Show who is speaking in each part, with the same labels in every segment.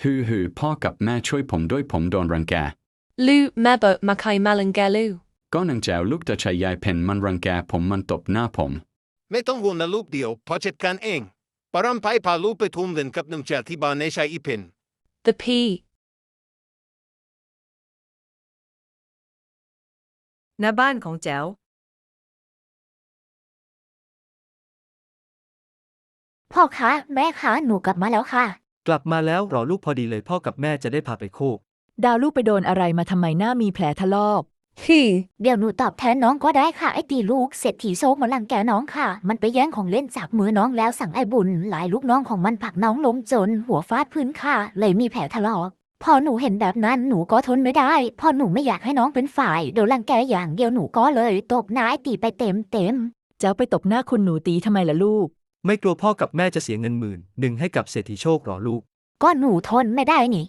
Speaker 1: ฮือพ่อกับแม่ช่วยผมด้วยผมโดนรังแก
Speaker 2: Lu mebo makai malangelu.
Speaker 1: ก็นางแจวลูกตาชายยายเพนมันรังแกผมมันตบหน้าผม
Speaker 3: ไม่ต้องห่วงนะลูกเดียวพอจัดการเองปรำไปพาลูกไปทุ่มเล่นกับนางแจวที่บ้านในชายอีเพน
Speaker 2: The P.
Speaker 4: ณบ้านของแจ๋ว
Speaker 5: พ่อคะแม่คะหนูกลับมาแล้วค่ะ
Speaker 6: กลับมาแล้วรอลูกพอดีเลยพ่อกับแม่จะได้พาไปโคก
Speaker 7: ดาวลูกไปโดนอะไรมาทำไมหน้ามีแผลถลอก
Speaker 5: เดี๋ยวหนูตอบแทนน้องก็ได้ค่ะไอ้ตีลูกเศรษฐีโซกมาลังแกน้องค่ะ มันไปแย่งของเล่นจากมือน้องแล้วสั่งไอ้บุญหลายลูกน้องของมันผลักน้องล้มจนหัวฟาดพื้นค่ะเลยมีแผลถลอกพอหนูเห็นแบบนั้นหนูก็ทนไม่ได้พอหนูไม่อยากให้น้องเป็นฝ่ายโดนรังแกอย่างเดียวหนูก็เลยตบหน้าไอ้ตีไปเต็ม
Speaker 7: เจ้าไปตบหน้าคุณหนูตีทำไมล่ะลูก
Speaker 6: ไม่กลัวพ่อกับแม่จะเสียเงิน10,000ให้กับเศรษฐีโชคหรอลูก
Speaker 5: ก็หนูทนไม่ได้นี่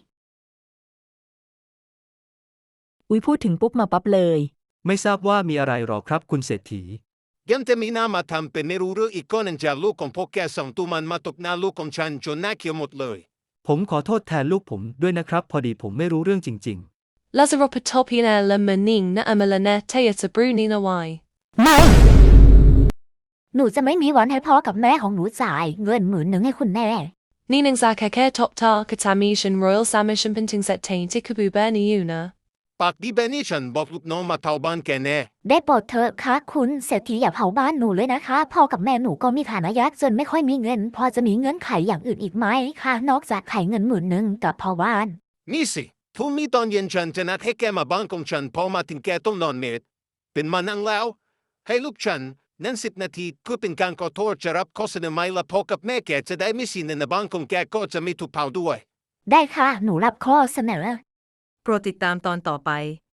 Speaker 7: อุ๊ยพูดถึงปุ๊บมาปั๊บเลย
Speaker 6: ไม่ทราบว่ามีอะไรหรอครับคุณเศรษฐี
Speaker 3: ยังจะมีหน้ามาทำเป็นไม่รู้เรื่องอีกก็นางแจวลูกของพวกแกสองตัวมันมาตบหน้าลูกของฉันจนหน้าเขียวหมดเลย
Speaker 6: ผมขอโทษแทนลูกผมด้วยนะครับพอดีผมไม่รู้เรื่องจริง
Speaker 2: Lazaropatopina la maning na amalane teata brunina y.
Speaker 5: ไม่หนูจะไม่มีวันให้พ่อกับแม่ของหนูจ่ายเงิน10,000ให้คุณแน่
Speaker 2: Ninang zakake top tar katamishan royal samishan pinting set tainted kabu berni una.
Speaker 3: ปากดีแบบนี้ฉันบอกลูกน้องมาเท่าบ้านแกแน่
Speaker 5: ได้โปรดเถอะค่ะคุณเศรษฐีอย่าเผาบ้านหนูเลยนะคะพ่อกับแม่หนูก็มีฐานะยากจนไม่ค่อยมีเงินพอจะมีเงื่อนไขอย่างอื่นอีกไหมคะนอกจากไขเงิน10,000กับพ่อบ้าน
Speaker 3: นี่สิพรุ่งนี้ตอนเย็นฉันจะนัดให้แกมาบ้านของฉันพอมาถึงแกต้องนอนเมดเป็นมานั่งแล้ว ให้ลูกฉันนั้น10 นาทีเพื่อเป็นการขอโทษจะรับข้อเสนอไหมละพ่อกับแม่แกจะได้ไม่เสียเงินในบ้านของแกก็จะไม่ถูกเผาด้วย
Speaker 5: ได้ค่ะหนูรับข้อเสนอ
Speaker 4: โปรดติดตามตอนต่อไป